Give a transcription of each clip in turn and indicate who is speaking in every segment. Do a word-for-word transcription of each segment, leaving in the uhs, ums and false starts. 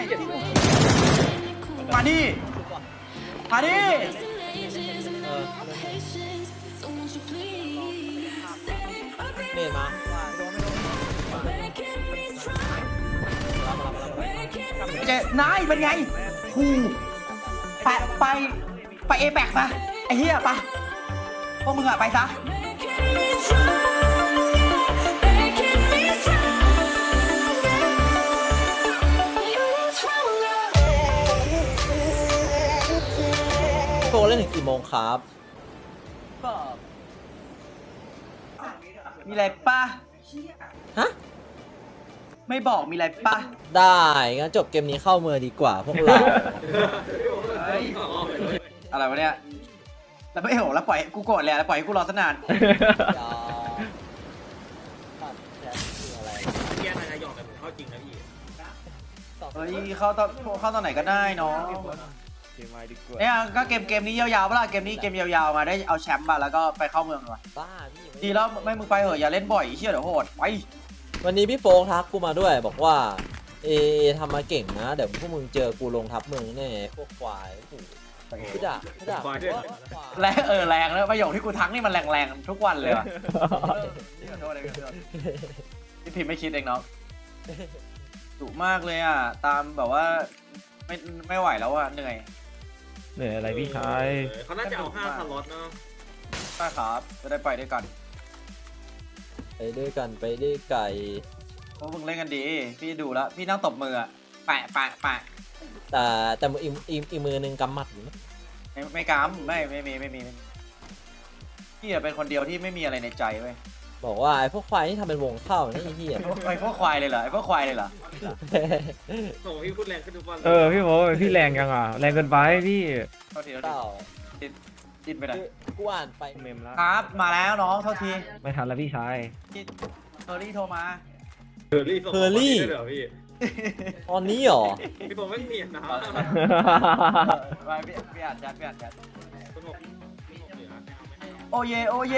Speaker 1: เจ็ด
Speaker 2: มาดิมาดิ
Speaker 3: เมนมา
Speaker 2: เจนายเป็นไงฮูไปไปไปเอแปกมาไอ้เหี้ยปะพวกมึงอะไปซะ
Speaker 3: โตเล่นถึงกี่โมงครับ
Speaker 2: ก็มีอะไรปะ
Speaker 3: ฮะ
Speaker 2: ไม่บอกมีอะไรปะ
Speaker 3: ได้งั้นจบเกมนี้เข้าเมือดีกว่าพวกเรา
Speaker 2: อะไรวะเนี่ยแล้วไม่โหแล้วปล่อยกูโกรธเลยแล้วปล่อยให้กูรอซะนาน
Speaker 3: ยาวตัดแชทคืออะไร
Speaker 1: แย่นายหยอกแต่ผมเข้าจริงนะพี่
Speaker 2: เฮ้ยเข้าตอนเข้าตอนไหนก็ได้เนาะ
Speaker 4: เกมมาดีกว่า
Speaker 2: เนี่ยก็เกมเกมนี้ยาวๆเปล่าเกมนี้เกมยาวๆมาได้เอาแชมป์มาแล้วก็ไปเข้าเมืองเลย
Speaker 3: บ้าพี่
Speaker 2: ดีแล้วไม่มึงไปเหอะอย่าเล่นบ่อยเชี่ยเดี๋ยวโหดไป
Speaker 3: วันนี้พี่โฟกทักกูมาด้วยบอกว่าเอทำมาเก่งนะเดี๋ยวพวกมึงเจอกูลงทับเมืองแน่พวกควายโอ้โหพี่ด่าพี่ด่า
Speaker 2: แรงเออแรงแล้วประโยคที่กูทักนี่มันแรงๆทุกวันเลยว่ะขอโทษเลยขอโทษพี่พิมพ์ไม่คิดเองเนาะดุมากเลยอ่ะตามแบบว่าไม่ไม่ไหวแล้วอ่ะเหนื่อย
Speaker 4: เหนื่อยอะไรพี่ชาย
Speaker 1: เขาน่าจะเอาห้าสล็อตเนาะ
Speaker 2: ใช่ครับจะได้ไปด้วยกัน
Speaker 3: ไปด้วยกันไปด้วยไก่
Speaker 2: เพราะมึงเล่นกันดีพี่ดูแล้วพี่นั่งตบมืออ่ะแปะแปะแปะ
Speaker 3: แต่แต่มืออีกอีกอีกมือหนึ่งกำหมัดอยู่นะ
Speaker 2: ไม่ไม่กำไม่ไม่มีไม่มีไม่มีพี่เป็นคนเดียวที่ไม่มีอะไรในใจเว้ย
Speaker 3: บอกว่าไอ้พวกควายที่ทำเป็นวงเข้านี่ไอ้เหี้ย
Speaker 2: ไอ้พวกควายเลยเหรอไอ้พวกควายเลยเหรอ
Speaker 1: โอ้พี่พูดแรงขึ้นทุกวัน
Speaker 4: เออพี่โมพี่แรงยังอ่ะแรงเกินไปพี่
Speaker 2: เท่าทีเท่าที
Speaker 3: เต่า
Speaker 2: จิ้นไปหน่อย
Speaker 3: กูอ่านไป
Speaker 4: เมมแล้ว
Speaker 2: ครับมาแล้วน้องเท่าที
Speaker 4: ไม่ทันแล้วพี่ชาย
Speaker 2: จิ้นเฮอร์รี่โทรมา
Speaker 1: เฮอร์รี่ส่งมาด้วยเหรอพี่
Speaker 3: ตอนนี้เหรอ
Speaker 1: พี่ผมไม่เนียนนะ
Speaker 2: ไปพี่พี่อ่านแชทพี่อ่านแชท
Speaker 1: คุณบอกพี่บอกเหลือไม่เอาไม่ให้
Speaker 2: โอเยโอเย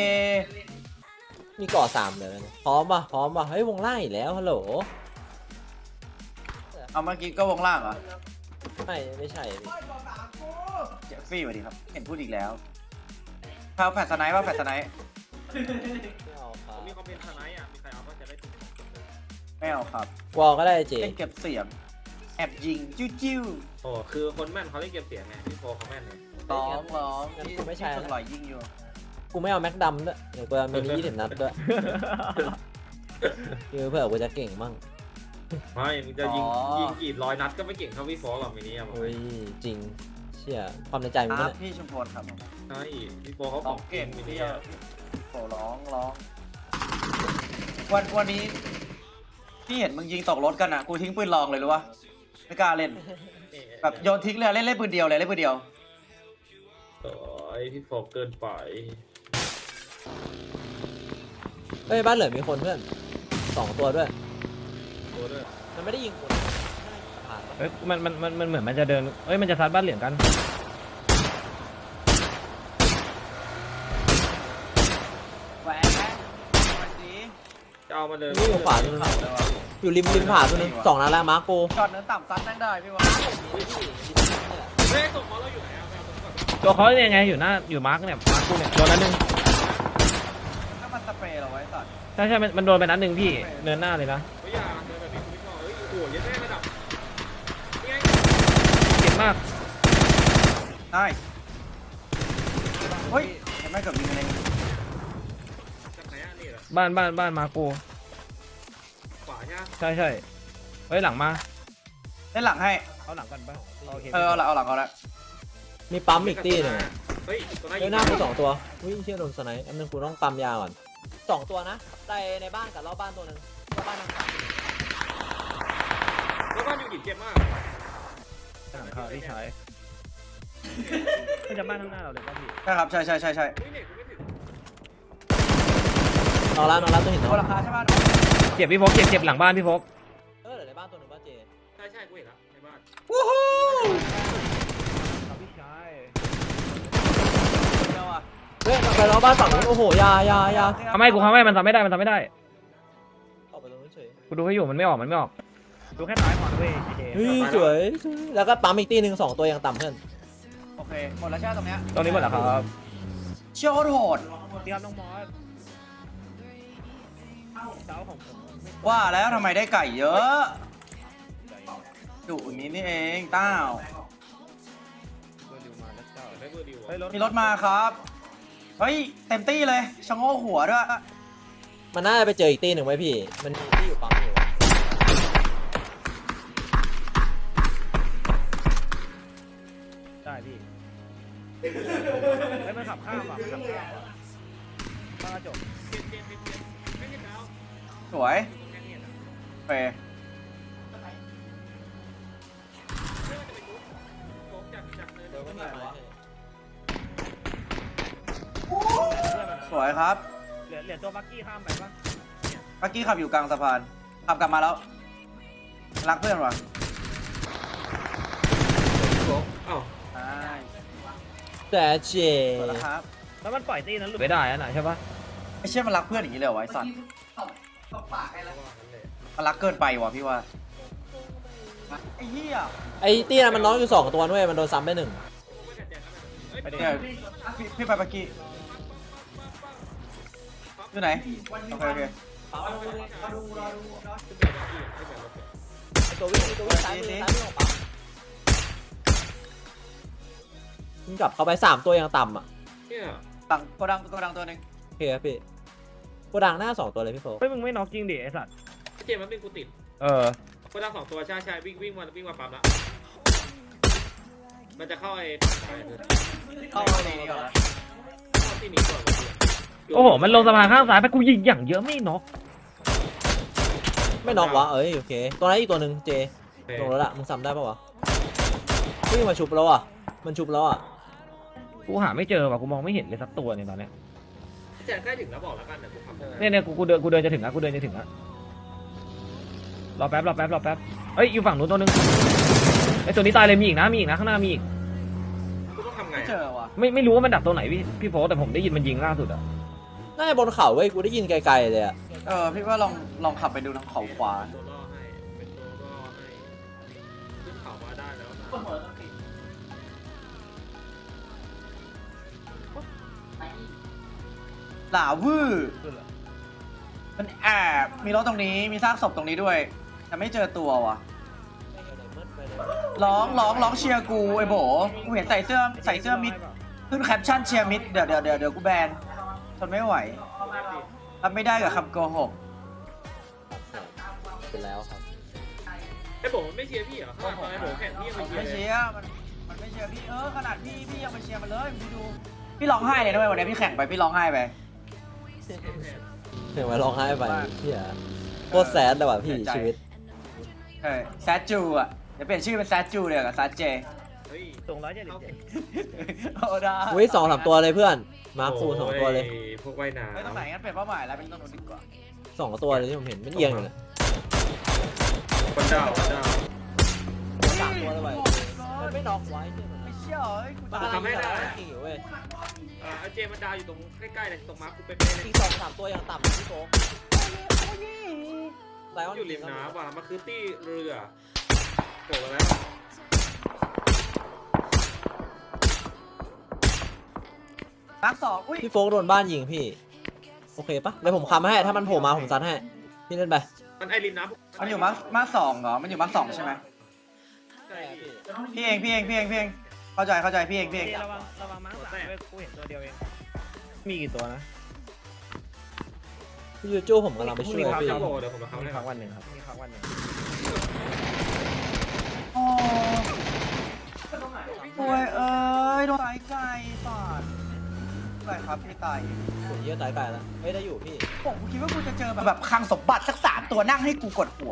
Speaker 3: มีก่อสามเลยนะพร้อมป่ะพร้อมป่ะเฮ้ยวงไล่อีกแล้วฮัลโหล
Speaker 2: เอาเมื่อกี้ก็วงล่างเหรอ
Speaker 3: ไม่ไม่ใช่
Speaker 2: เจฟฟี่สวัสดีครับเห็นพูดอีกแล้วข้าวแฟดสไนป์ว่าแฟดสไนป์
Speaker 3: ไม่เอาครั
Speaker 1: ผ
Speaker 3: บ
Speaker 1: มมีคอมเมนต์ทนายอ่ะมีใครเอาก็จะได้ถูก
Speaker 2: ไม่เอาครับ
Speaker 3: วอลก็ได้เจ
Speaker 2: เล่นเก็บเสียงแอบยิงจิ้วจิ้ว
Speaker 1: โอ้คือคนแม่นเขาเล่นเก็บเสียงไงพี่โฟเขาแม่นเลย
Speaker 2: ร้องร้องที่ไม่ใช่หล่อยยิงอยู่
Speaker 3: กูไม่เอาแม็กดำด้วยเดี๋ยวกูเอามินิยี่สิบนัดด้วยคือเผื่อกูจะเก่งมั่ง
Speaker 1: ไม่มึงจะยิงยิงกี่ร้อยนัดก็ไม่เก่งเท่าพี่โฟหรอกมินิอ่ะ
Speaker 3: โอ้ยจริงเชี่ยความในใจมึง
Speaker 2: ครั
Speaker 3: เนี่
Speaker 2: บ
Speaker 3: ย
Speaker 2: พี่ชุมพลครับ
Speaker 1: ใช่พี่โฟเขาข
Speaker 2: ร้
Speaker 1: อ
Speaker 2: อง ง
Speaker 1: เก่
Speaker 2: เก่
Speaker 1: ง
Speaker 2: ง
Speaker 1: มินิ
Speaker 2: พี่
Speaker 1: อ่ะ
Speaker 2: โอ้ร้องร้องวันวันนี้พี่เห็นมึงยิงตกรถกันอ่ะกูทิ้งปืนลองเลยรู้ปะไม่กล้าเล่นแบบโยนทิ้งเลยเล่นเล่นปืนเดียวเลยเล่นปืนเดียว
Speaker 1: โอ้ยพี่โฟเกินไป
Speaker 3: เฮ้ยบ้านเหลือมีคนเพื่อนสองตัวด้วย
Speaker 1: โอ้ด้วย
Speaker 3: มันไม่ได้ยิงคนผ่านปะ
Speaker 4: เอ้ยมันมันมันมันเหมือนมันจะเดินเอ้ยมันจะซัดบ้านเหลืองกัน
Speaker 2: แหวนแหวนแหวนสี
Speaker 1: จะเอามาเลย
Speaker 3: นี่อยู่ขวาตัวนึงอยู่ริมริมผาตัวนึงสองนัดแล้วมาร์โก
Speaker 2: จอดเนินต่ำซัดแม่งได้พี่วะ
Speaker 1: เฮ้ยตกมาเราอยู่ไหนอ่ะไปเอาตกก่อน
Speaker 4: ตัวเขาเนี่ยไงอยู่หน้าอยู่มาร์กเนี่ยมาร์กกูเนี่ยโดนนัดหนึ่ง
Speaker 2: ถ้ามันสเปรย์เราไว้สัตว์
Speaker 4: ใช่ใช่มันมันโดนไปนัดหนึ่งพี่เนินหน้าเลยนะ
Speaker 1: เฮ้ยอย่าเดินแบบนี้คุณพี่โฟเฮ้ยโอ้โหยันแม่ระดับนี่ไง
Speaker 4: เจ็บมาก
Speaker 2: ได้เฮ้ยเห็นไหมเกือบยิงกันเอง
Speaker 1: จากไหนอ่ะนี่เหรอ
Speaker 4: บ้านบ้านบ้านมาร์กกู
Speaker 1: ขวาใช่ไหม
Speaker 4: ใช่ใช่เฮ้ยหลังมา
Speaker 2: เล่นหลังให้
Speaker 4: เอาหลังก่อนป่ะโอเค
Speaker 2: เออเอาหลังเอาหลังเอาละ
Speaker 3: มีปั๊มอีกตีหนึ่ง
Speaker 1: เฮ้ยตัวไหน
Speaker 3: เฮ้ยหน้ากูสองตัววิ่งเชี่ยโดนสไนป์อันนึงกูต้องปั๊มยาก่อนสองตัวนะในในบ้านกับรอบบ้านตัวนึงรอบบ้านทางฝั่ง
Speaker 1: แล้วบ้านอยู่กี่เกมมาก
Speaker 4: หลังเขาพี่ชายไม่จะบ้านข้างหน้าเราเลยป่ะพี่
Speaker 2: ใช่ครับใช่ใช่ใช่ใช่
Speaker 1: เฮ้ยเน็ตกูไม่ถึง
Speaker 3: นอนแล้วนอนแล้วตัวเห็น
Speaker 2: ตั
Speaker 3: น้อ
Speaker 2: ว
Speaker 3: ง
Speaker 2: ราคาใช่ป่ะ
Speaker 4: เจ็บพี่โฟกเจ็บเจ็บหลังบ้านพี่โฟก
Speaker 3: เออเหลือในบ้านตัวหนึ่งบ้านเจ
Speaker 1: ใช่ใช่กูเห็นแล้วในบ้าน
Speaker 2: วู้ฮู้
Speaker 4: พี่ชาย
Speaker 2: เดียวอ่ะ
Speaker 3: เฮ้ยไปรอบบ้านฝั่งนู้นโอ้โหยายายา
Speaker 4: ทำไมกูทำไม่มันทำไม่ได้มันทำไม่ได้
Speaker 3: ออกไปตรงนู้นเฉย
Speaker 4: กูดูให้อยู่มันไม่ออกมันไม่ออกดูแค่ซ้ายพอนะเว้ยเจ
Speaker 3: เฮ้ยสวยสวยแล้วก็ปั๊มอีกตีหนึ่งสองตัวยังต่ำเพื่อน
Speaker 2: โอเคหมดแล้วใช่ไหมตรงเนี้ย
Speaker 4: ตรงนี้หมดแล้วครับ
Speaker 2: เชี่ยวโหด
Speaker 4: เตรียมน้องมอสเจ้าของผมไม่
Speaker 2: ว่าแล้วทำไมได้ไก่เยอะดุอย่างนี้นี่เองต้าว
Speaker 4: เบอร์ดิวมาแล้วเจ้า
Speaker 1: ได้เบอร์ดิว
Speaker 4: เฮ้ยรถ
Speaker 2: มีรถมาครับเฮ้ยเต็มตี้เลยชะโงกหัวด้วย
Speaker 3: มันน่าจะไปเจออีกตีหนึ่งไว้พี่มันมีที่อยู่ปั๊มอยู่
Speaker 4: ได้พี่เฮ้ยมันขับข้ามว่ะมันขับข้ามว่ะบ้ากระจก
Speaker 1: เจ็ดเจ็ดเจ็ดเจ็ดไม่เห็นแล้ว
Speaker 2: สวย
Speaker 1: แค่นี้นะ
Speaker 2: โอเค
Speaker 1: ไม่ว่าจะไปทุบโกงจากจากเลย
Speaker 3: เดี๋ยวก็มีไม้ให้
Speaker 2: สวยครับ
Speaker 4: เหลือเหลือตัวบักกี้ข้ามไปปะ
Speaker 2: เมื่อกี้ขับอยู่กลางสะพานขับกลับมาแล้วรักเพื่อนวะ
Speaker 1: โกงอ้าว
Speaker 2: ใช่
Speaker 3: แต่เจ
Speaker 2: สวยแล้วครับ
Speaker 4: แล้วมันปล่อยตีนั้นหลุดไม่ได้นะใช่ปะ
Speaker 2: ไม่เชื่อมันรักเพื่อนอย่างนี้เลยเหรอวะไอ้สัตว์
Speaker 1: ว่างั้นเลย
Speaker 2: มันรักเกินไปว่ะพี่ว่าไอ้เหี้ย
Speaker 3: ไอ้ตีนั้นมันน้องอยู่สองตัวด้วยมันโดนซ้ำไปหนึ่ง
Speaker 1: ไม่กัดแจกกันนะเฮ้ย
Speaker 4: ไปดิ
Speaker 2: เนี่ยพี่พี่ไปเมื่อกี้อยู่ไหนโอเคโอเค
Speaker 3: ไอ้ตัววิ่งไอ้ตัววิ่งซ้ายมือซ้ายมือของปั๊มมึงกลับเข้าไปสามตัวยังต่ำอ่ะ
Speaker 1: เนี่ย
Speaker 2: ดังโกดังโกดังตัวหนึ่ง
Speaker 3: โอเคครับพี่โกดังหน้าสองตัวเลยพี่โฟ
Speaker 4: เฮ้ยมึงไม่น็อกจริงดิไอสัตว์
Speaker 1: เจมมันเป็นกูติด
Speaker 4: เออ
Speaker 1: คนละสองตัวใช่ใช่วิ่งวิ่งมาวิ่งมาปั๊มละมันจะเข้าไอ้ไปเลย
Speaker 2: เข้าดีนี่ก่อนนะ
Speaker 1: เข้าที่นี้ก่อน
Speaker 4: โอ้โหมันลงสะพานข้างซ้ายไปกูยิงอย่างเยอะไม่น็อก
Speaker 3: ไม่น็อกวะเอ้ยโอเคตัวนั้นอีกตัวหนึ่งเจลงแล้วล่ะมึงซ้ำได้ปะวะวิ่งมาชุบแล้วอ่ะมันชุบแล้วอ่ะ
Speaker 4: กูหาไม่เจอว่ะกูมองไม่เห็นเลยสักตัวเนี่ยตอนเนี้ย
Speaker 1: แจกใกล้ถึงแล้วบอกแล้วกันเดี๋ยวกูขับ
Speaker 4: เนี่ยเนี่ยกูกูเดินกูเดินจะถึงแล้วกูเดินจะถึงแล้วรอแป๊บรอแป๊บรอแป๊บเอ้ยอยู่ฝั่งนู้นตัวนึงไอ้ตัวนี้ตายเลยมีอีกนะมีอีกนะข้างหน้ามีอีก
Speaker 1: กูต้องทำไง
Speaker 2: ไม่เจอว่ะ
Speaker 4: ไม่ไม่รู้ว่ามันดักตัวไหนพี่พี่โฟแต่ผมได้ยินมันยิงล่าสุดอะ
Speaker 3: น่าจะบนเขาเว้ยกูได้ยินไกลๆเลยอ่ะ
Speaker 2: เออพี่ว่าลองลองขับไปดูทางเขาขวา
Speaker 1: ตัวล่อให้เป็นตัวล่อให้ขึ้นเขามาได้แล้วนะ
Speaker 2: หลาวื้อมันแอบมีรถตรงนี้มีซากศพตรงนี้ด้วยแต่ไม่เจอตัวว่ะร้องร้องร้องเชียร์กูไอ้โบกูเห็นใส่เสื้อใส่เสื้อมิดขึ้นแคปชั่นเชียร์มิดเดี๋ยวเดี๋ยวเดี๋ยวเดี๋ยวกูแบนทนไม่ไหวรับไม่ได้กับคำโกหก
Speaker 3: เป็นแล้วครับ
Speaker 1: ไอ้โบมันไม่เชียร์พี่เหรอตอนไอ้โบแข่งพี่ยัง
Speaker 2: ไม่
Speaker 1: ไม่เชียร์
Speaker 2: เชียร์มันมันไม่เชียร์พี่เออขนาดพี่พี่ยังไปเชียร์มันเลยมึงดูพี่ร้องไห้เลยด้วยวันนี้พี่แข่งไปพี่ร้องไห้ไป
Speaker 3: เห็นไหมร้องไห้ไปเฮียโคตรแซดเลยว่ะพี่ชีวิต
Speaker 2: เออแซดจูอ่ะเดี๋ยวเปลี่ยนชื่อเป็นแซดจูเลยกับแซดเจ
Speaker 1: เฮ้ย
Speaker 4: ตรงร้อยเจ็ดสิบเจ็ด
Speaker 2: โอ้ได้
Speaker 3: อุ้ยสองสามตัวเลยเพื่อนมาร์คฟูสองตัวเลย
Speaker 1: พวกว่ายน้
Speaker 2: เฮ้ยตรงไหนงั้นเปลี่ยนเป้าหมายแล้วเป็นตรงนู้นดีกว่า
Speaker 3: สองตัวเลยที่ผมเห็นมันเอียงอยู่เลย
Speaker 1: ำคนดาวคนดาว
Speaker 3: สามตัวเลยว่ะมันไม่น็อกไว้ที่มัน
Speaker 2: ไม่เชื่อเฮ้ยกู
Speaker 3: ตายจริงอยู่เว้ย
Speaker 1: อ่าเจมันดาวอยู่ตรงใกล้ๆเลยตรงมาร์คกูเป๊ะๆเลย
Speaker 3: อีกสองสามตัวยังต่ำพี่โต๊ะไลออน
Speaker 1: อยู่ริมน้ำว่ะมันคือตี้เรือโผล่มาแล้ว
Speaker 2: มาร์คสองอุ้ย
Speaker 3: พี่โฟกโดนบ้านยิงพี่โอเคปะเดี๋ยวผมคำให้ถ้ามันโผล่มาผมซัดให้พี่เล่นไป
Speaker 1: มันไอริมน้ำ
Speaker 2: มันอยู่มาร์คมาร์คสองเหรอมันอยู่มาร์คสองใช่ไหม
Speaker 1: ใช่พี่
Speaker 2: พี่เองพี่เองพี่เองพี่เองเข้าใจเข้าใจพี่เองพี่เอง
Speaker 4: ระวังระวังมั้งสามด้วยกูเห็นตัวเดียวเองมีกี่ตัวนะ
Speaker 3: พี่ยูจูผมกำลังไปช่วยพี่
Speaker 1: เดี๋ยวเดี๋ยวผมมา
Speaker 4: เขา
Speaker 1: เข้า
Speaker 4: มี
Speaker 1: ให้
Speaker 4: ครั้งวันหนึ่งครับมีครั้งวันหนึ่ง
Speaker 2: โอ้โอ้ยเอ้ยโดนตายไก่ปาดไก่ครับพี่ตาย
Speaker 3: ผมเยอะตายไกลแล้วเฮ้ยได้อยู่พี่
Speaker 2: ผมคิดว่ากูจะเจอแบบแบบคลังสมบัติสักสามตัวนั่งให้กูกดหัว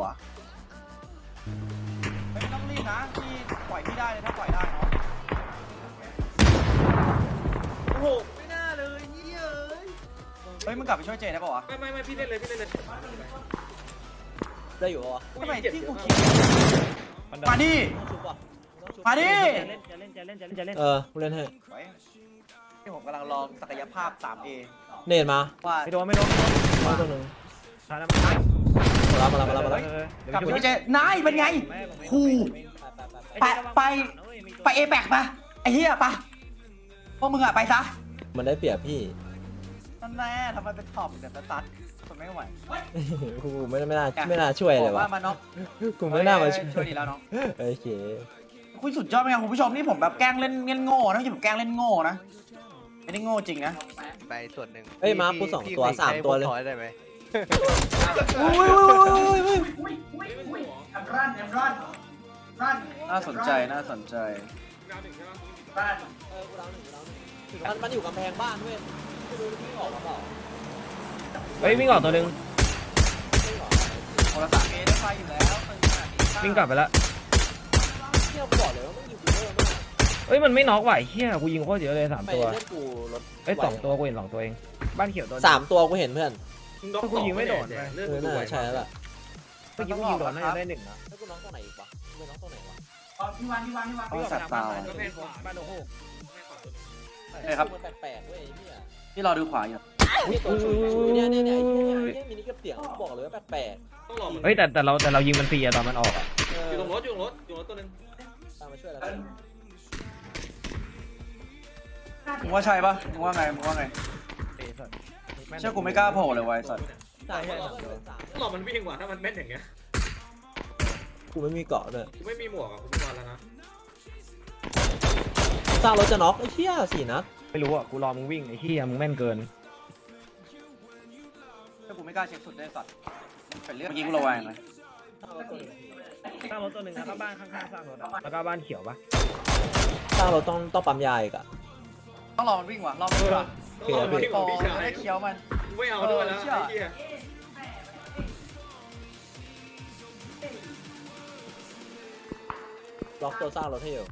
Speaker 2: ไม่ต้องรีบนะพี่ปล่อยพี่ได้เลยถ้าปล่อยได้เนาะ
Speaker 1: โอ้โหไม่น่าเลยนี่เอ้ย
Speaker 2: เฮ้ยมึงกลับไปช่วยเจได้ป่าวะ
Speaker 1: ไม่ไม่ไม่พี่เล่นเลยพี่เล่นเลย
Speaker 3: ได้อยู่ปะวะ
Speaker 2: ทำไมที่กูคิด
Speaker 4: มัน
Speaker 2: มาดิ
Speaker 3: ต้องชุบป่ะต้องชุบ
Speaker 2: มาดิ
Speaker 4: จะเล่นจะเล่นจะเล่นจะเล่นจะเล่น
Speaker 3: เออกูเล่นให้
Speaker 2: ไว้ที่ผมกำลังลองศักยภาพ ทรี เอ
Speaker 3: เนตมา
Speaker 2: ว่า
Speaker 4: ไม่โดนไม่โดน
Speaker 3: มาตัวหนึ่ง
Speaker 4: ทานน้ำมัน
Speaker 3: สแล้วมาแล้วมาแล้วมาแล้ว
Speaker 2: กลับไปพี่เจนายเป็นไงคู่ไปไปไปเอแบกปะไอ้เหี้ยปะพวกมึงอะไปซะ
Speaker 3: มันได้เปรียบพี่
Speaker 2: นั่นแน่ทำไมเป็นท็อปเดี๋ยวจะตัดคนไม่ไหว
Speaker 3: กูไม่ไม่น่าไม่น่าช่วยเลยวะ
Speaker 2: ว่ามาเนาะ
Speaker 3: กูไม่น่ามาช่วย
Speaker 2: ช่วยดีแล้วเนาะ
Speaker 3: โอเค
Speaker 2: คุณสุดยอดไหมครับคุณผู้ชมนี่ผมแบบแกล้งเล่นเล่นโง่นะไม่ใช่ผมแกล้งเล่นโง่นะไม่ได้โง่จริงนะ
Speaker 5: ไปส่วนหนึ่ง
Speaker 3: เอ้ยมาร์คกูสองตัวสามตัวเลย
Speaker 5: พี่ได้ไหม
Speaker 3: อุ้ยอุ้ยอุ้ยอุ้ย
Speaker 2: น่าสนใจน่าสนใจ
Speaker 1: ดาวหนึ่งใช่ปะ
Speaker 3: เออกูดาวหนึ่งกูดาวหนึ่งมันมันอยู่กำแพงบ้านเว้ยไม่รู้วิ่งออกมาเปล่า
Speaker 4: เฮ้ยวิ่งออกตัวหนึง
Speaker 3: ไม่ออก
Speaker 2: โทรศัพท์เอได้ไฟอยู่แล้ว
Speaker 4: วิ่งกลับไปแล้ว
Speaker 3: เที่ยวกูบอกเลยว่ามันอยู่กูเวอร์มาก
Speaker 4: เฮ้ยมันไม่น็อกไหวเฮียกูยิงโคตรเยอะเลยสาม
Speaker 3: ไม่
Speaker 4: ตัว
Speaker 3: เล่นกูรถ
Speaker 4: เอ้ยสองตัวกูเห็นสองตัวเองบ้านเขียวตัว
Speaker 3: สามตัวกูเห็นเพื่อน
Speaker 1: น็อก
Speaker 4: กูยิงไม่โดน
Speaker 1: เลื
Speaker 3: เอ
Speaker 1: อด
Speaker 3: อ
Speaker 1: กู
Speaker 3: น่า
Speaker 1: ไหว
Speaker 3: ใช่แล้วล่ะ
Speaker 4: เมื่อกี้กูยิงโดนน่าจะได้หนึ่งนะ
Speaker 3: แล้วกูน้องตรงไหนอีกวะกูไปน้องตรงไหนวะ
Speaker 2: พี่วันพี่วันพี่วัน
Speaker 4: วิ่งออก
Speaker 2: สั
Speaker 4: ไป
Speaker 2: ตว์
Speaker 4: ทาง
Speaker 2: เป
Speaker 4: บ้า
Speaker 2: ล่าน
Speaker 4: บ้านโอ้โหบ้านโอ้โห
Speaker 2: เอ้ยครับ
Speaker 3: มันแปลกๆเว้ยไอ้เนี่ย
Speaker 2: พี่รอดูขวาอยู่
Speaker 3: ไอ้ตัวชุยเนี่ยเนี่ยเนี่ยไอ้เนี่ยไอ้เนี่ยมินิกับเสียงกูบอกเลยว่าแปลก
Speaker 1: ต้องรอมัน
Speaker 4: เฮ้ยแต่แต่เราแต่เรายิงมันฟรีอะตอนมันออกอะ
Speaker 3: ๆเออ
Speaker 1: อยู่ตรงรถอยู่ตรงรถอยู่ตรงรถตัวหนึง
Speaker 3: ตามมาช่วยแล้วกัน
Speaker 2: มึงว่าใช่ปะมึงว่าไงมึงว่าไงเชื่อกูไม่กล้าโผล่เลยไวะไอ้สัตว์
Speaker 3: ใช่ใช่สามตัวสาม
Speaker 1: ต้องรอมันวิ่งกว่าถ้ามันแม่นอย่างเงี้ย
Speaker 3: กูไม่มีเกาะด้วย
Speaker 1: กูไม่มีหมวกอ่ะกูไม่วันแล้วนะ
Speaker 3: สร้างรถจะน็อกไอ้เหี้ยสี่นัด
Speaker 4: ไม่รู้อะกูรอมึงวิ่งไอ้เฮียมึงแม่นเกิน
Speaker 2: เชื่อกูไม่กล้าเช็คสุดได้สัตว์เป็นเรื่องเมื่อกี้กูระแวงเลย
Speaker 3: สร้างรถตัวหนึ่ง
Speaker 4: สร้างรถตัวหนึ่งแล้วก็บ้านข้างๆสร้างรถอะแล้วก็บ้านเขียวปะ
Speaker 3: สร้างรถต้องต้องปั๊มยาอีกอะ
Speaker 2: ต้องรอมันวิ่งว่ะรอมันวิ่งว่ะ
Speaker 1: ต้องรอมันวิ่ง
Speaker 2: โต
Speaker 1: ของพี่ชาย
Speaker 2: จะได้เคี้ยวมัน
Speaker 1: กูไม่เอาด้วยแล้ว
Speaker 2: เออเชื่อ
Speaker 1: ไอ้เหี้ย
Speaker 3: ล็อกตัวสร้างรถให้อยู่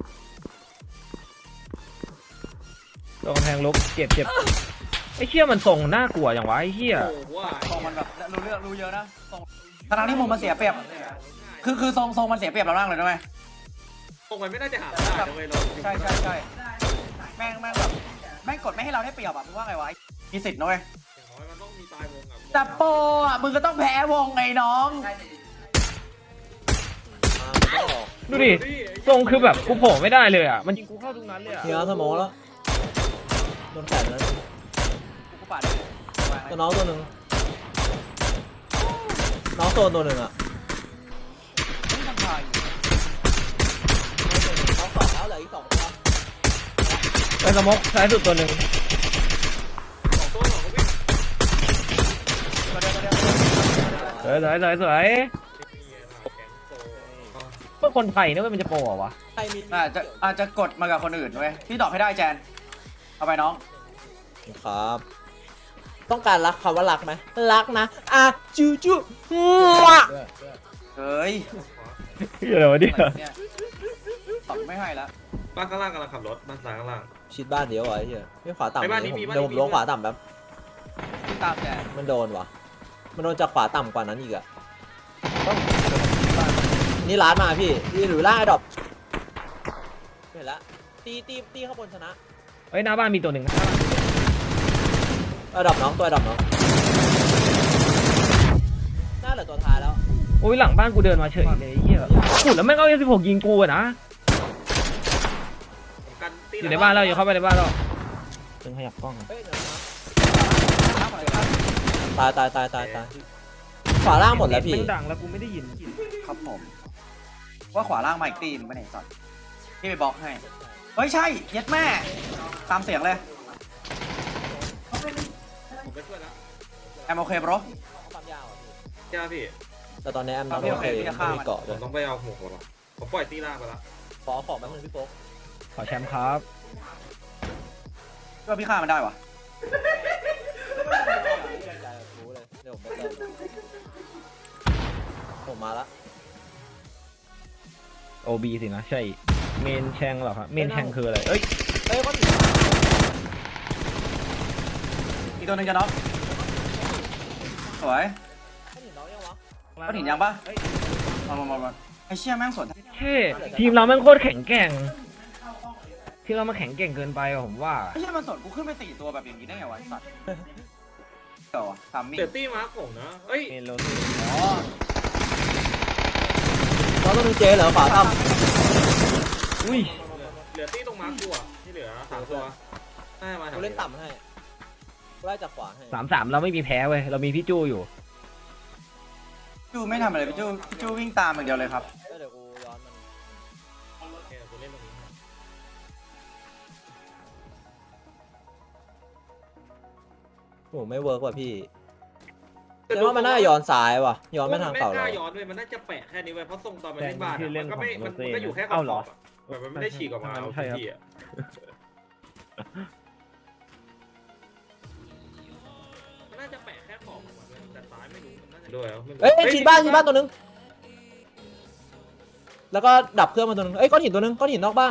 Speaker 4: ตัวกำแพงลุกเจ็บเจ็บไอ้เชี่ยมันส่งน่ากลัวอย่างวะไอ้เชี่ย
Speaker 1: โอ้โหว่า
Speaker 2: ทรงมันแบบรู้เรื่องรู้เยอะนะทรงทั้งที่มุมมันเสียเปรียบ คือคือทรงทรงมันเสียเปรียบเรามากเลยนะไหม
Speaker 1: ตรงมันไม่น่าจะหาได้นะเว้ยเรา
Speaker 2: ใช่ใช่ใช่แม่งแม่งแบบแม่งกดไม่ให้เราได้เปรียบอ่ะมึงว่าไงวะมีสิทธิ์นะเว้ย
Speaker 1: อย่างน้อยมันต้องมีตายวงอ่ะ
Speaker 2: แต่โปรอ่ะมึงก็ต้องแพ้วงไงน้อง
Speaker 3: มาไม่ต้องออก
Speaker 4: ดูดิทรงคือแบบกูโผล่ไม่ได้เลยอะมันยิงกูเข้าทุกนัดเลยอะ
Speaker 3: เฮียสมองแล้วโดนแขนแล้ว
Speaker 2: กูปาด
Speaker 3: ตัวน้องตัวหนึ่งน้องโซนตัวหนึ่งอะ
Speaker 2: ไม่ทำทาย
Speaker 3: น้องสองแล้วเหลืออีกสองตัว
Speaker 4: ไอ้สมกซ้ายสุดตัวหนึ่ง
Speaker 1: สองตัวสองก็วิ่ง
Speaker 4: สวยสวยสวยสวย
Speaker 1: นี่ไงล่ะแกงโต
Speaker 4: พวกคนไทยเนี่ยมันจะโปรเหรอวะ
Speaker 3: ใครมี
Speaker 2: อาจจะอาจจะกดมากับคนอื่นเว้ยพี่ดอกให้ได้แจนเอาไปน้อง
Speaker 3: ครับ ต้องการรักคำว่ารักไหมรักนะอ่ะจูจูมั่ว
Speaker 2: เฮ้ย
Speaker 4: เดี๋ยวเดี๋ยว
Speaker 2: เนี่ยตอบไม่ให้แล้ว
Speaker 1: บ้านข้างล่างกำลังขับรถบ้านซ้ายข้างล่าง
Speaker 3: ชิดบ้านเดียวเหรอไอ้เหี้ยไม่ขวาต่ำ
Speaker 1: ไปบ้านนี้
Speaker 3: ผม
Speaker 1: มีบ้าน
Speaker 3: เดี๋ยวผม
Speaker 1: นี้มี
Speaker 3: ลงขวาต่ำแบบ
Speaker 2: พี่ตามแจน
Speaker 3: มันโดนวะมันโดนจากขวาต่ำกว่านั้นอีกอะนี่ร้านมาพี่นี่หรือล่าไอ้ดอกเห็นละตีตีตีข้างบนชนะ
Speaker 4: เฮ้ยหน้าบ้านมีตัวหนึ่ง
Speaker 3: ไอ้ดอกน้องตัวไอ้ดอกน้องน่าเหลือตัวท้ายแล้ว
Speaker 4: โอ้ยหลังบ้านกูเดินมาเฉยเลยไอ้เฮียขุดแล้วแม่งเอาเอสิบหกยิงกูอะนะ
Speaker 1: ผมกันตี
Speaker 4: อยู่ในบ้านเราอยู่เข้าไปในบ้านเราเป็นขยับกล้องอะ
Speaker 3: เฮ้ยเดี๋ยวนะตายตายตายตายตายขวาล่างหมดแล้วพี่
Speaker 4: แม่งดังแล้วกูไม่ได้ยิน
Speaker 2: ครับผม ว่าขวาล่างมาอีกตีนงไม่ไหนสัตว์พี่ไปบล็อกให้ เฮ้ยใช่เย็ดแม่ ตามเสียงเลย
Speaker 1: ผมไปช่วยแล้ว
Speaker 2: แอมโอเคบรอ
Speaker 3: ความยาวอ่ะพี่
Speaker 1: ใช่ไหมพี่
Speaker 3: แต่ตอนนี้แอมน้อง
Speaker 2: พี่
Speaker 3: โอ
Speaker 2: โอ
Speaker 3: เค
Speaker 2: เคพี่จะฆ่า
Speaker 3: ไม่
Speaker 2: มัน
Speaker 3: มีเกาะ
Speaker 1: ผ
Speaker 3: ด้ว
Speaker 1: ม
Speaker 3: ย
Speaker 1: ต้องไปเอาหัวหัวหรอผมปล่อยตีล่าไปแล้ว
Speaker 3: ขอของแป๊บนึงพี่โป๊ก
Speaker 4: ขอแชมป์ครับ
Speaker 2: ว่าพี่ฆ่ามันได้วะ
Speaker 3: รู้เลยเดี๋ยวผมไปเติมผมมาละ
Speaker 4: โอบีสินะใช่เมนแชงเหรอครับเมนแชงคืออะไรเอ้ย
Speaker 3: เอ้ยก็ถึง
Speaker 2: อีกตัวหนึงจะน็อกสวย
Speaker 3: ก็ถึงน้องยังวะ
Speaker 2: ก็ถินยังปะมามามามาไอเชี่ยแม่งสวน
Speaker 4: เท่ทีมเราแม่งโคตรแข็งแกร่งทีมเรามาแข็งแกร่งเกินไปอะผมว่า
Speaker 2: ไอเชี่ยมันสวนกูขึ้นไปสี่ตัวแบบอย่างนี้ได้ไงวะไอ้สัตว์ก่อนทำมิ่ง
Speaker 1: เดี๋ยวตี้มาร์คผมนะเอ้ย
Speaker 4: เมโล
Speaker 2: อ๋อ
Speaker 3: น้องตัวนึงเจเหรอขวาท
Speaker 4: อุ้ย
Speaker 1: เหลือตี้ตรงมาร์คกูอ่ะที่เหลือสามตัวให้มา
Speaker 3: ำกูเล่นต่ำให้กูไล่จากขวาให้
Speaker 4: สามสามเราไม่มีแพ้เว้ยเรามีพี่จู้อยู่
Speaker 2: จูไม่ทำอะไรพี่จูพี่จูวิ่งตามอย่างเดียวเลยครับ
Speaker 3: เดี๋ยวกูย้อนมัน
Speaker 1: โอเคกูเล่นตรงนี้ให้
Speaker 3: โอ้ไม่เวิร์กว่ะพี่แต่ว่ามันน่าย้อนซ้ายว่ะย้อนไปทางเก่า
Speaker 1: มัน
Speaker 3: เรา
Speaker 1: ไม่กล้าย้อนด้วยมันน่าจะแปะแค่นี้ไว้เพราะทรงตอนมันเล่นบ้านอะมันก็ไม่มันก็อยู่แค่ข
Speaker 4: เอ้า
Speaker 1: อบ
Speaker 4: เหรอ
Speaker 1: ๆแบบมันไม่ได้ฉีกออกมาเอา
Speaker 4: ใช่ครับ
Speaker 1: ที่อ่ะมันน่าจะแปะแค่ขอบออกมาด้วยแต่ซ้ายไม่รู้มันน่าจะด้วยแล้วไม่รู้
Speaker 3: เอ้ยชิดบ้านชิดบ้านตัวนึงแล้วก็ดับเครื่องมาตัวนึงเอ้ยก้อนหินตัวนึงก้อนหินนอกบ้าน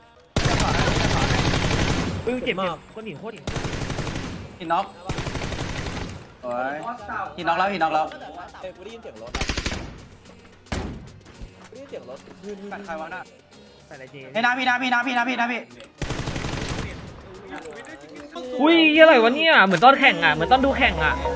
Speaker 4: เออเจ็บ
Speaker 3: มาม
Speaker 4: าก กคนหินโคตรหิน
Speaker 2: หินน็อกโอ้ยหินน็อกแล้วหินน็อกแล้ว
Speaker 3: เอ้ยกูได้ยินเสียงรถกูได้ยินเสียงรถ
Speaker 2: ปัดใครวะน่ะ
Speaker 4: ใส่อะไรเจ
Speaker 2: เฮ้ยนะพี่นะพี่นะพี่นะพี่นะพี่
Speaker 4: อุ้ยอะไรวะเนี่ยเหมือนตอนแข่งอ่ะเหมือนตอนดูแข่งอ่ะ
Speaker 1: โอ้